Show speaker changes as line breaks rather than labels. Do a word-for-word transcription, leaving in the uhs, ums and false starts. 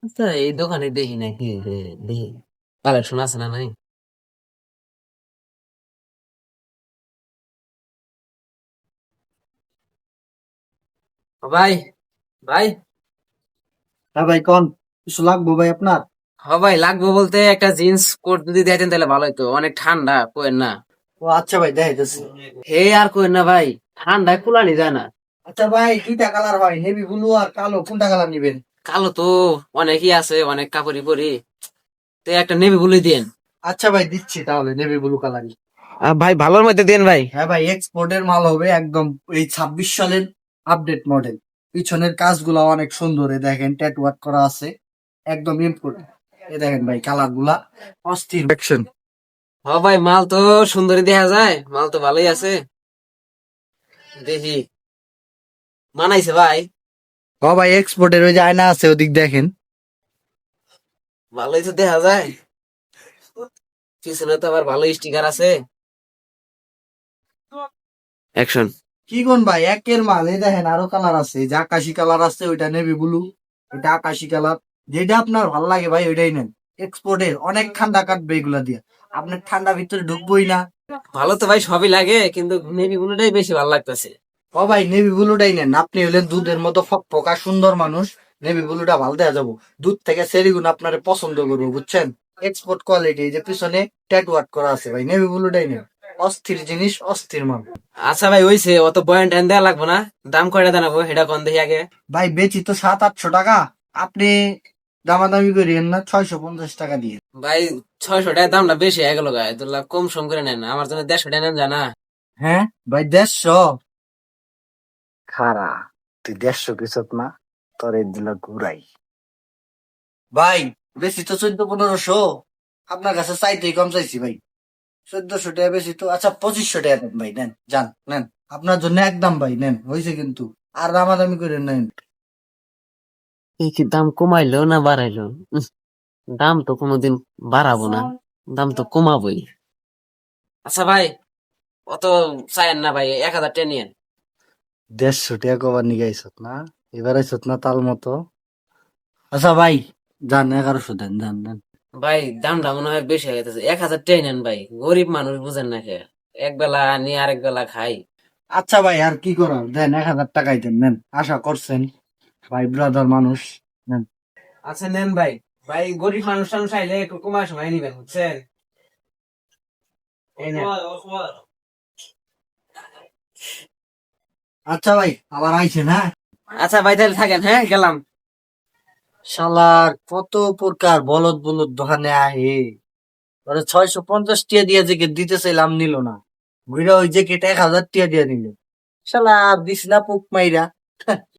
আচ্ছা এই দোকানে দেখি নাকি রে, দেখি কালেকশন আছে না নাই। ও ভাই, ভাই।
হ্যাঁ ভাই কোন কিছু লাগবো ভাই আপনার?
হ ভাই, লাগবে বলতে একটা জিন্স কোট যদি দিতেন তাহলে ভালো হতো, অনেক ঠান্ডা কোয়েন না।
ও আচ্ছা ভাই দেখাইতেছি।
হে আর কোয়েন না ভাই, ঠান্ডায় কুলানি যায় না।
আচ্ছা ভাই দুইটা কালার হয়, নেভি ব্লু আর কালো, কোনটা কালার নিবেন?
কালো তো অনেকই আছে, অনেক কাপড়ই পরি, তো একটা নেভি বলে দিন।
আচ্ছা ভাই দিচ্ছি তাহলে নেভি ব্লু কালারই।
ভাই ভালোর মধ্যে দেন ভাই।
হ্যাঁ ভাই এক্সপোর্টের মাল হবে একদম, এই ছাব্বিশ সালের আপডেট মডেল। পিছনের কাজগুলো অনেক সুন্দর, এ দেখেন ট্যাটু ওয়ার্ক করা আছে, একদম ইম্পোর্ট। এ দেখেন ভাই কালার গুলা অস্থির অ্যাকশন।
হ ভাই, মাল তো সুন্দরই দেখা যায়, মাল তো ভালোই আছে। দেখি মানাইছে ভাই।
ও ভাই এক্সপোর্টের ওই যে আয়না আছে ওদিক দেখেন।
ভালোই তো দেখা যায়, পিছনে তো আবার ভালো স্টিকার আছে। অ্যাকশন।
কি কোন ভাই একের মাল, এই দেখেন আরো কালার আছে, এই যে আকাশি কালার আছে, ওইটা নেভি ব্লু, ওইটা আকাশি কালার। যেটা আপনার ভালো লাগে ভাই ওইটাই নেন। এক্সপোর্টের অনেক ঠান্ডা কাটবে এগুলা দিয়ে, আপনার ঠান্ডা ভিতরে ঢুকবোই না।
ভালো তো ভাই সবই লাগে, কিন্তু নেভি ব্লুটাই বেশি ভালো লাগতেছে।
ও ভাই নেভি ব্লুটাই নেন, আপনি হলেন দুধের মতো ফকফকা সুন্দর মানুষ, নেভি ব্লুটা ভালো দেয়া যাবো। দুধ থেকে সেরিগুন আপনার পছন্দ করবো, বুঝছেন? এক্সপোর্ট কোয়ালিটি, এই যে পিছনে ট্যাটু ওয়ার্ক করা আছে ভাই, নেভি ব্লুটাই নেন। অস্থির জিনিস, অস্থির মাল।
আচ্ছা ভাই, হইছে অত বয়ান ট্যান দেওয়া লাগবো না। দাম কয়টা জানাবো সেটা কোন দেখি আগে।
ভাই বেচি তো সাত আটশো টাকা, আপনি দামাদামি করিয়েন না, ছয়শো পঞ্চাশ টাকা দিয়ে।
ভাই ছয়শো টাকার দামটা বেশি হয়ে গেল গায়ে, তোলা কম সম করে নেন, আমার জন্য দেড়শো টাকা নেন জানা।
হ্যাঁ ভাই দেড়শো? খারা, তুই দেড়শো কিসত না, তোর এই দিল ঘুরাই। ভাই বেশি তো চোদ্দ পনেরোশো, আপনার কাছে চাইতেই কম চাইছি ভাই। চোদ্দশো টাকা বেশি তো, আচ্ছা পঁচিশশো টাকা দেন ভাই, নেন যান নেন। আপনার জন্য একদম ভাই নেন, হয়েছে কিন্তু। আর দামাদামি করে নেন।
এই কি দাম কমাইলো না বাড়াইলো? উহ, দাম তো কোনোদিন বাড়াবো না, দাম তো কমাবোই। আচ্ছা ভাই, অত চাইেন না ভাই, এক হাজার টাকা নিয়েন।
দেড়শো টাকা কবার নিয়ে আইসত না, এবার আইসত না তাল মতো। আচ্ছা ভাই যান, এগারোশো দেন, যান দেন।
ভাই দামটা মনে হয় বেশি হয়ে গেছে, এক হাজার টাকা নেন ভাই, গরিব মানুষ বুঝেন না কে, এক বেলা নিয়ে আরেক বেলা খাই।
আচ্ছা ভাই আর কি করার, দেন এক হাজার টাকাই দেন, নেন আশা করছেন, ভাই ব্রাদার মানুষ, নেন।
আচ্ছা নেন ভাই। ভাই গরিব মানুষ টানুষ আইলে একটু কমার সময় নিবেন, বুঝছেন? এই নেন।
আচ্ছা ভাই আবার আইছে না।
আচ্ছা ভাই তাহলে থাকেন, হ্যাঁ গেলাম।
শালার কত প্রকার বলদ বলদ দোকানে আহে, ওরা ছয়শো পঞ্চাশ টিয়া দিয়ে জ্যাকেট দিতে চাইলাম নিল না, ঘুরে ওই জ্যাকেট এক হাজার টিয়া দিয়ে নিল। শালা দিস না পুক মাইরা।